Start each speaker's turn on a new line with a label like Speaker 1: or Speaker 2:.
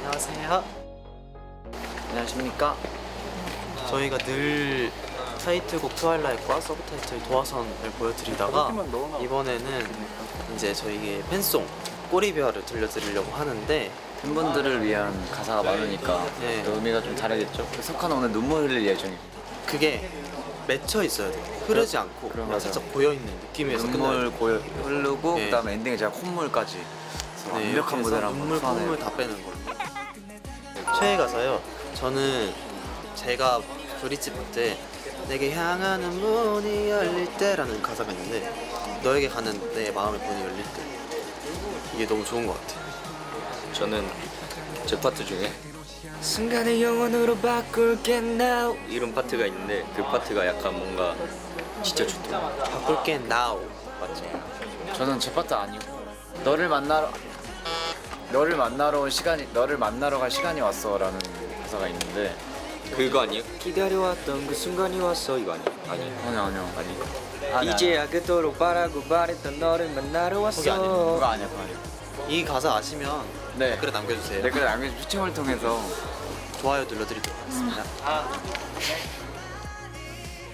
Speaker 1: 안녕하세요.
Speaker 2: 안녕하십니까.
Speaker 1: 저희가 늘 타이틀곡 트와일라이트과 서브타이틀 도화선을 보여드리다가 이번에는 이제 저희의 팬송 꼬리별을 들려드리려고 하는데
Speaker 2: 팬분들을 위한 가사가 많으니까
Speaker 1: 네.
Speaker 2: 또 의미가 좀 다르겠죠. 석하는 오늘 눈물 흘릴 예정입니다.
Speaker 1: 그게 맺혀 있어야 돼요. 흐르지 않고
Speaker 2: 그럼
Speaker 1: 그냥
Speaker 2: 맞아요.
Speaker 1: 살짝 고여있는 느낌에서
Speaker 2: 눈물 고여 흐르고
Speaker 1: 네.
Speaker 2: 그다음에 엔딩에 제가 콧물까지
Speaker 1: 네,
Speaker 2: 완벽한 무대를 한번
Speaker 1: 눈물
Speaker 2: 풀어내요.
Speaker 1: 콧물 다 빼는 걸로. 최애 가사요. 저는 제가 브릿지 볼 때 내게 향하는 문이 열릴 때라는 가사가 있는데 너에게 가는 내 마음의 문이 열릴 때 이게 너무 좋은 것 같아요.
Speaker 3: 저는 제 파트 중에 순간의 영원으로 바꿀게 now 이런 파트가 있는데 그 파트가 약간 뭔가 진짜 좋더라고요.
Speaker 1: 바꿀게 now.
Speaker 3: 맞죠?
Speaker 2: 저는 제 파트 아니고 너를 만나러 갈 시간이 왔어라는 가사가 있는데
Speaker 3: 그거 아니에요? 기다려왔던 그 순간이 왔어 이거 아니에요?
Speaker 2: 아니요.
Speaker 3: 아니 이제야 그토록 바라고 바랬던 너를 만나러 왔어.
Speaker 1: 거기 아니에요?
Speaker 2: 그거 아니야.
Speaker 1: 이 가사 아시면
Speaker 2: 네.
Speaker 1: 댓글에 남겨주세요.
Speaker 2: 댓글에 남겨주신 추첨을 통해서
Speaker 1: 좋아요 눌러드리도록 하겠습니다.